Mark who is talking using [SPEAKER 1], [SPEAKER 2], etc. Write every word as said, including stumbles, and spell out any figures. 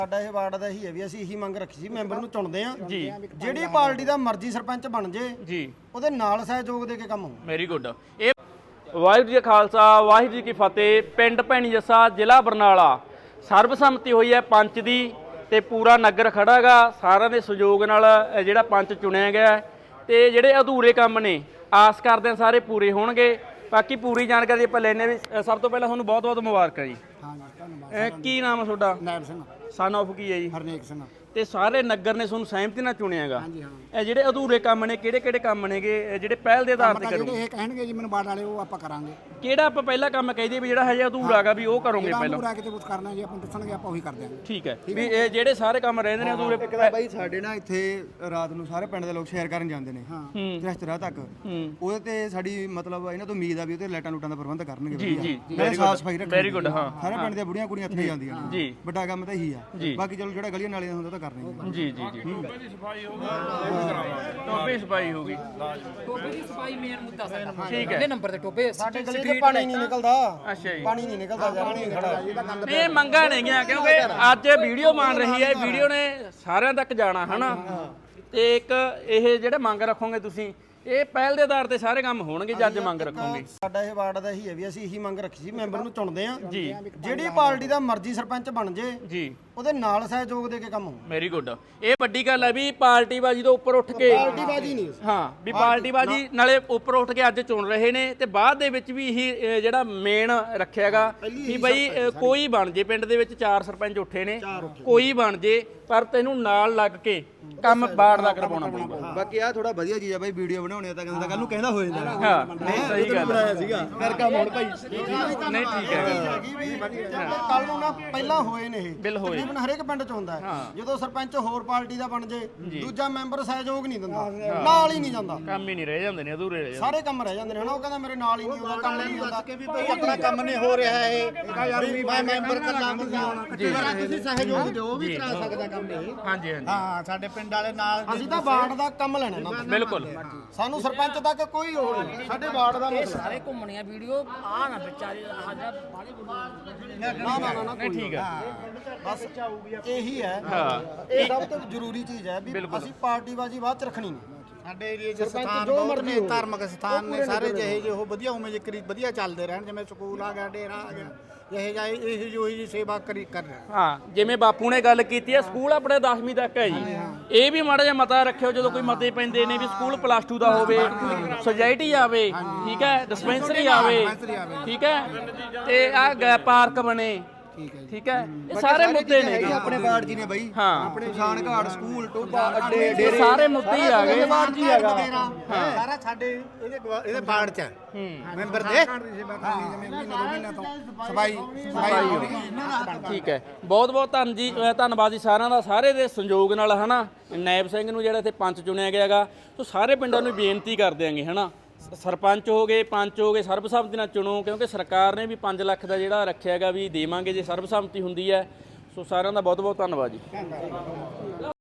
[SPEAKER 1] ਸਾਡਾ ਇਹ ਵਾਰਡ ਦਾ ਹੀ ਹੈ ਵੀ ਅਸੀਂ ਇਹੀ ਮੰਗ ਰੱਖੀ ਸੀ ਮੈਂਬਰ ਨੂੰ ਚੁਣਦੇ ਆ ਜੀ ਜਿਹੜੀ ਪਾਰਟੀ ਦਾ ਮਰਜ਼ੀ ਸਰਪੰਚ ਬਣ ਜੇ ਜੀ ਉਹਦੇ ਨਾਲ ਸਹਿਯੋਗ ਦੇ ਕੇ ਕੰਮ ਹੋ।
[SPEAKER 2] Very good. ਇਹ ਵਾਹਿਗੁਰੂ ਜੀ ਕਾ ਖਾਲਸਾ ਵਾਹਿਗੁਰੂ ਜੀ ਕੀ ਫਤਿਹ। ਪਿੰਡ ਭੈਣੀ ਜੱਸਾ ਜ਼ਿਲ੍ਹਾ ਬਰਨਾਲਾ ਸਰਬਸੰਮਤੀ ਹੋਈ ਹੈ ਪੰਚ ਦੀ ਤੇ ਪੂਰਾ ਨਗਰ ਖੜਾ ਹੈਗਾ ਸਾਰਿਆਂ ਦੇ ਸਹਿਯੋਗ ਨਾਲ ਜਿਹੜਾ ਪੰਚ ਚੁਣਿਆ ਗਿਆ ਤੇ ਜਿਹੜੇ ਅਧੂਰੇ ਕੰਮ ਨੇ ਆਸ ਕਰਦੇ ਹਾਂ ਸਾਰੇ ਪੂਰੇ ਹੋਣਗੇ। ਬਾਕੀ ਪੂਰੀ ਜਾਣਕਾਰੀ ਆਪਾਂ ਲੈਣੇ ਵੀ ਸਭ ਤੋਂ ਪਹਿਲਾਂ ਤੁਹਾਨੂੰ ਬਹੁਤ ਬਹੁਤ ਮੁਬਾਰਕਾਂ ਜੀ।
[SPEAKER 1] ਹਾਂ ਜੀ ਧੰਨਵਾਦ।
[SPEAKER 2] ਕੀ ਨਾਮ ਹੈ ਤੁਹਾਡਾ?
[SPEAKER 1] ਨਾਇਬ ਸਿੰਘ
[SPEAKER 2] ਸਨ ਆਫ ਕੀ ਹੈ ਜੀ?
[SPEAKER 1] ਹਰਨੇਕ ਸਿੰਘ।
[SPEAKER 2] ਤੇ ਸਾਰੇ ਨਗਰ ਨੇ ਤੁਹਾਨੂੰ ਸਹਿਮਤੀ ਨਾਲ ਚੁਣਿਆਗਾ।
[SPEAKER 1] ਹਾਂਜੀ ਹਾਂ।
[SPEAKER 2] ਇਹ ਜਿਹੜੇ ਅਧੂਰੇ ਕੰਮ ਨੇ ਕਿਹੜੇ ਕਿਹੜੇ ਕੰਮ ਨੇਗੇ ਜਿਹੜੇ ਪਹਿਲ ਦੇ ਆਧਾਰ ਤੇ ਕਰੋ?
[SPEAKER 1] ਜਿਹੜੇ ਇਹ ਕਹਿਣਗੇ ਜੀ ਮੈਨੂੰ ਵਾਰਡ ਵਾਲੇ ਉਹ ਆਪਾਂ ਕਰਾਂਗੇ।
[SPEAKER 2] ਕਿਹੜਾ ਆਪਾਂ ਪਹਿਲਾ ਕੰਮ ਕਹਦੇ ਵੀ ਜਿਹੜਾ ਹਜੇ ਅਧੂਰਾ ਹੈਗਾ ਵੀ ਉਹ ਕਰੋਗੇ ਪਹਿਲਾਂ?
[SPEAKER 1] ਅਧੂਰਾ ਕਿਤੇ ਕੁਝ ਕਰਨਾ ਜੀ ਆਪਾਂ ਦੱਸਣਗੇ ਆਪਾਂ ਉਹੀ ਕਰ ਦਿਆਂਗੇ।
[SPEAKER 2] ਠੀਕ ਹੈ ਵੀ ਇਹ ਜਿਹੜੇ ਸਾਰੇ ਕੰਮ ਰਹਿੰਦੇ ਨੇ ਅਧੂਰੇ
[SPEAKER 3] ਬਾਈ ਸਾਡੇ ਨਾ ਇੱਥੇ ਰਾਤ ਨੂੰ ਸਾਰੇ ਪਿੰਡ ਦੇ ਲੋਕ ਸ਼ੇਅਰ ਕਰਨ ਜਾਂਦੇ ਨੇ
[SPEAKER 1] ਹਾਂ
[SPEAKER 3] ਰਿਸ਼ਤੇਦਾਰ ਤੱਕ ਉਹਦੇ ਤੇ ਸਾਡੀ ਮਤਲਬ ਇਹਨਾਂ ਤੋਂ ਉਮੀਦ ਆ ਵੀ ਉਹਤੇ ਲਾਈਟਾਂ ਲੂਟਾਂ ਦਾ ਪ੍ਰਬੰਧ ਕਰਨਗੇ।
[SPEAKER 2] ਜੀ ਜੀ
[SPEAKER 3] ਵੈਰੀ ਸਾਫ ਸਫਾਈ ਰੱਖਣਗੇ।
[SPEAKER 2] Very good. ਹਾਂ
[SPEAKER 3] ਸਾਰੇ ਪਿੰਡ ਦੀਆਂ ਬੁੜੀਆਂ ਕੁੜੀਆਂ ਇੱਥੇ ਜਾਂਦੀਆਂ ਨੇ
[SPEAKER 2] ਜੀ
[SPEAKER 3] ਵੱਡਾ ਕੰਮ ਤਾਂ ਇਹੀ ਆ। ਬਾਕੀ ਚਲੋ ਜਿਹੜਾ ਗਲੀਆਂ ਨਾਲੀਆਂ ਹੁੰਦਾ ਉਹ ਤਾਂ ਕਰਨਗੇ।
[SPEAKER 2] ਜੀ ਜੀ ਜੀ ਟੋਪੇ ਦੀ ਸਫਾਈ ਹੋ ਗਈ। ਟੋਪੇ ਦੀ ਸਫਾਈ ਹੋ ਗਈ।
[SPEAKER 4] ਟੋਪੇ ਦੀ ਸਫਾਈ ਮੇਨ ਮੁੱਦਾ ਸਾਡਾ।
[SPEAKER 2] ਠੀਕ ਹੈ।
[SPEAKER 4] ਪਹਿਲੇ ਨੰਬਰ ਤੇ ਟੋਪੇ
[SPEAKER 1] ਸਾਡੇ ਗਲੀ ਤੇ ਪਾਣੀ ਨਹੀਂ ਨਿਕਲਦਾ।
[SPEAKER 2] ਅੱਛਾ ਜੀ
[SPEAKER 1] ਪਾਣੀ ਨਹੀਂ ਨਿਕਲਦਾ ਯਾਰ ਨਹੀਂ ਖੜਾ।
[SPEAKER 2] ਇਹ ਮੰਗਾਂ ਨੇਗੀਆਂ ਕਿਉਂਕਿ ਅੱਜ ਵੀਡੀਓ ਬਣ ਰਹੀ ਹੈ ਵੀਡੀਓ ਨੇ ਸਾਰਿਆਂ ਤੱਕ ਜਾਣਾ ਹਨਾ ਤੇ ਇੱਕ ਇਹ ਜਿਹੜੇ ਮੰਗ ਰੱਖੋਗੇ ਤੁਸੀਂ ਇਹ ਪਹਿਲ ਦੇ ਆਧਾਰ ਤੇ ਸਾਰੇ ਕੰਮ ਹੋਣਗੇ ਜੇ ਅੱਜ ਮੰਗ ਰੱਖੋਗੇ।
[SPEAKER 1] ਸਾਡਾ ਇਹ ਵਾਰਡ ਦਾ ਹੀ ਹੈ ਵੀ ਅਸੀਂ ਇਹੀ ਮੰਗ ਰੱਖੀ ਸੀ ਮੈਂਬਰ ਨੂੰ ਚੁਣਦੇ ਆ ਜੀ ਜਿਹੜੀ ਪਾਰਟੀ ਦਾ ਮਰਜ਼ੀ ਸਰਪੰਚ ਬਣ ਜੇ
[SPEAKER 2] ਜੀ
[SPEAKER 1] ਉਹਦੇ ਨਾਲ ਸਹਿਯੋਗ ਦੇ ਕੇ ਕੰਮ ਹੋ।
[SPEAKER 2] Very good. ਇਹ ਵੱਡੀ ਗੱਲ ਹੈ ਵੀ ਪਾਰਟੀ ਬਾਜੀ ਤੋਂ ਉੱਪਰ ਉੱਠ ਕੇ
[SPEAKER 1] ਪਾਰਟੀ ਬਾਜੀ ਨਹੀਂ
[SPEAKER 2] ਹਾਂ ਵੀ ਪਾਰਟੀ ਬਾਜੀ ਨਾਲੇ ਉੱਪਰ ਉੱਠ ਕੇ ਅੱਜ ਚੁਣ ਰਹੇ ਨੇ ਤੇ ਬਾਅਦ ਦੇ ਵਿੱਚ ਵੀ ਇਹ ਜਿਹੜਾ ਮੇਨ ਰੱਖਿਆਗਾ ਵੀ ਬਈ ਕੋਈ ਬਣ ਜੇ ਪਿੰਡ ਦੇ ਵਿੱਚ ਚਾਰ ਸਰਪੰਚ ਉੱਠੇ ਨੇ ਕੋਈ ਬਣ ਜੇ ਪਰ ਤੈਨੂੰ ਨਾਲ ਲੱਗ ਕੇ ਕੰਮ ਬਾੜ ਦਾ ਕਰਵਾਉਣਾ ਪਊਗਾ।
[SPEAKER 3] ਬਾਕੀ ਆ ਥੋੜਾ ਵਧੀਆ ਚੀਜ਼ ਆ ਬਾਈ ਵੀਡੀਓ ਬਣਾਉਣੀ ਆ ਤਾਂ ਕਹਿੰਦਾ ਕੱਲ ਨੂੰ ਕਹਿੰਦਾ ਹੋ ਜਾਂਦਾ।
[SPEAKER 2] ਹਾਂ ਨਹੀਂ ਸਹੀ ਗੱਲ
[SPEAKER 3] ਬਣਾਇਆ ਸੀਗਾ ਕਰ ਕੰਮ ਹੁਣ ਭਾਈ
[SPEAKER 2] ਨਹੀਂ ਠੀਕ ਹੈ।
[SPEAKER 1] ਕੱਲ ਨੂੰ ਨਾ ਪਹਿਲਾਂ ਹੋਏ ਨੇ ਇਹ
[SPEAKER 2] ਬਿਲ ਹੋਏ
[SPEAKER 1] ਤਕਰੀਬਨ ਹਰੇਕ ਪਿੰਡ ਚ ਹੁੰਦਾ ਹੈ। ਜਦੋਂ ਸਰਪੰਚ ਹੋਰ ਪਾਰਟੀ ਦਾ ਬਣ ਜੇ ਦੂਜਾ ਮੈਂਬਰ ਸਹਿਯੋਗ ਨਹੀਂ ਦਿੰਦਾ ਨਾਲ ਹੀ ਨਹੀਂ ਜਾਂਦਾ
[SPEAKER 2] ਕੰਮ ਹੀ ਨਹੀਂ ਰਹਿ ਜਾਂਦੇ ਨੇ ਅਧੂਰੇ ਰਹਿ ਜਾਂਦੇ
[SPEAKER 1] ਸਾਰੇ ਕੰਮ ਰਹਿ ਜਾਂਦੇ ਨੇ ਹਨਾ। ਉਹ ਕਹਿੰਦਾ ਮੇਰੇ ਨਾਲ ਹੀ ਨਹੀਂ ਹੁੰਦਾ ਕੰਮ ਨਹੀਂ ਹੁੰਦਾ
[SPEAKER 3] ਕਿ ਵੀ ਭਾਈ ਆਪਣਾ ਕੰਮ ਨਹੀਂ ਹੋ ਰਿਹਾ ਹੈ ਯਾਰ ਵੀ ਮੈਂ ਮੈਂਬਰ ਕੱਲਾ ਹੋਣਾ ਤੁਸੀਂ ਸਹਿਯੋਗ ਦਿਓ ਉਹ ਵੀ ਕਰਾ ਸਕਦਾ ਕੰਮ ਇਹ।
[SPEAKER 2] ਹਾਂਜੀ ਹਾਂਜੀ
[SPEAKER 3] ਹਾਂ ਸਾਡੇ ਪਿੰਡ ਵਾਲੇ ਨਾਲ
[SPEAKER 1] ਅਸੀਂ ਤਾਂ ਵਾਰਡ ਦਾ ਕੰਮ ਲੈਣਾ ਨਾ
[SPEAKER 2] ਬਿਲਕੁਲ।
[SPEAKER 1] ਸਾਨੂੰ ਸਰਪੰਚ ਤੱਕ ਕੋਈ ਹੋਰ ਨਹੀਂ ਸਾਡੇ ਵਾਰਡ ਦਾ ਮਸਲਾ।
[SPEAKER 4] ਸਾਰੇ ਘੁੰਮਣੀਆਂ ਵੀਡੀਓ ਆ ਨਾ ਵਿਚਾਰੇ ਹਾਜ਼ਰ ਬਾਲੇ
[SPEAKER 1] ਨਾ ਨਾ ਨਾ ਨਾ
[SPEAKER 2] ਨਹੀਂ ਠੀਕ ਹੈ।
[SPEAKER 1] ਬਸ ਇਹੀ ਹੈ
[SPEAKER 2] ਹਾਂ
[SPEAKER 1] ਇਹ ਸਭ ਤੋਂ ਜ਼ਰੂਰੀ ਚੀਜ਼ ਹੈ ਵੀ ਅਸੀਂ ਪਾਰਟੀ ਬਾਜੀ ਬਾਅਦ ਚ ਰੱਖਣੀ ਨਹੀਂ।
[SPEAKER 3] ਸਾਡੇ ਏਰੀਏ 'ਚ ਸਥਾਨ ਬਹੁਤ ਨੇ ਧਾਰਮਿਕ ਸਥਾਨ ਨੇ ਸਾਰੇ ਜਿਹੇ ਜਿਹੇ ਉਹ ਵਧੀਆ ਉਵੇਂ ਜਿਕਰੀ ਵਧੀਆ ਚੱਲਦੇ ਰਹਿਣ ਜਿਵੇਂ ਸਕੂਲ ਆ ਗਿਆ ਡੇਰਾ ਆ ਗਿਆ ਇਹ ਜਾਈ ਇਹ ਜੋ ਹੀ ਸੇਵਾ ਕਰੀ ਕਰ ਰਿਹਾ।
[SPEAKER 2] ਹਾਂ ਜਿਵੇਂ ਬਾਪੂ ਨੇ ਗੱਲ ਕੀਤੀ ਹੈ ਸਕੂਲ ਆਪਣੇ ਦਸਵੀਂ ਤੱਕ ਹੈ ਜੀ। ਇਹ ਵੀ ਮਾੜਾ ਜਿਹਾ ਮਤਾ ਰੱਖਿਓ ਜਦੋਂ ਕੋਈ ਮਤੇ ਪੈਂਦੇ ਨੇ ਵੀ ਸਕੂਲ ਪਲੱਸ ਟੂ ਦਾ ਹੋਵੇ ਸੁਸਾਇਟੀ ਆਵੇ ਠੀਕ ਹੈ ਡਿਸਪੈਂਸਰੀ ਆਵੇ ਠੀਕ ਹੈ ਤੇ ਆ ਪਾਰਕ ਬਣੇ ਠੀਕ ਹੈ ਇਹ ਸਾਰੇ ਮੁੱਦੇ ਨੇ
[SPEAKER 3] ਆਪਣੇ ਵਾਰਡ ਜੀ ਨੇ ਬਾਈ
[SPEAKER 2] ਹਾਂ
[SPEAKER 3] ਆਪਣੇ ਕਿਸਾਨ ਘਾਟ ਸਕੂਲ ਟੋਬਾ ਅੱਡੇ
[SPEAKER 2] ਇਹ ਸਾਰੇ ਮੁੱਦੇ ਹੀ ਆ ਗਏ।
[SPEAKER 3] ਵਾਰਡ ਜੀ ਹੈਗਾ ਸਾਰਾ ਸਾਡੇ ਇਹਦੇ ਇਹਦੇ ਵਾਰਡ 'ਚ ਹੈ ਮੈਂਬਰ ਦੇ ਸਫਾਈ ਸਫਾਈ
[SPEAKER 2] ਠੀਕ ਹੈ। ਬਹੁਤ ਬਹੁਤ ਧੰਨ ਜੀ ਧੰਨਵਾਦ ਜੀ ਸਾਰਿਆਂ ਦਾ ਸਾਰੇ ਦੇ ਸੰਯੋਗ ਨਾਲ ਹਨਾ ਨਾਇਬ ਸਿੰਘ ਨੂੰ ਜਿਹੜਾ ਇੱਥੇ ਪੰਚ ਚੁਣਿਆ ਗਿਆਗਾ ਸੋ ਸਾਰੇ ਪਿੰਡਾਂ ਨੂੰ ਬੇਨਤੀ ਕਰ ਦਿਆਂਗੇ ਹਨਾ ਸਰਪੰਚ ਹੋ ਗਏ ਪੰਚ ਹੋ ਗਏ ਸਰਬਸੰਮਤੀ ਨਾਲ ਚੁਣੋ ਕਿਉਂਕਿ ਸਰਕਾਰ ਨੇ ਵੀ ਪੰਜ ਲੱਖ ਦਾ ਜਿਹੜਾ ਰੱਖਿਆ ਹੈਗਾ ਵੀ ਦੇਵਾਂਗੇ ਜੇ ਸਰਬਸੰਮਤੀ ਹੁੰਦੀ ਹੈ। ਸੋ ਸਾਰਿਆਂ ਦਾ ਬਹੁਤ ਬਹੁਤ ਧੰਨਵਾਦ ਜੀ।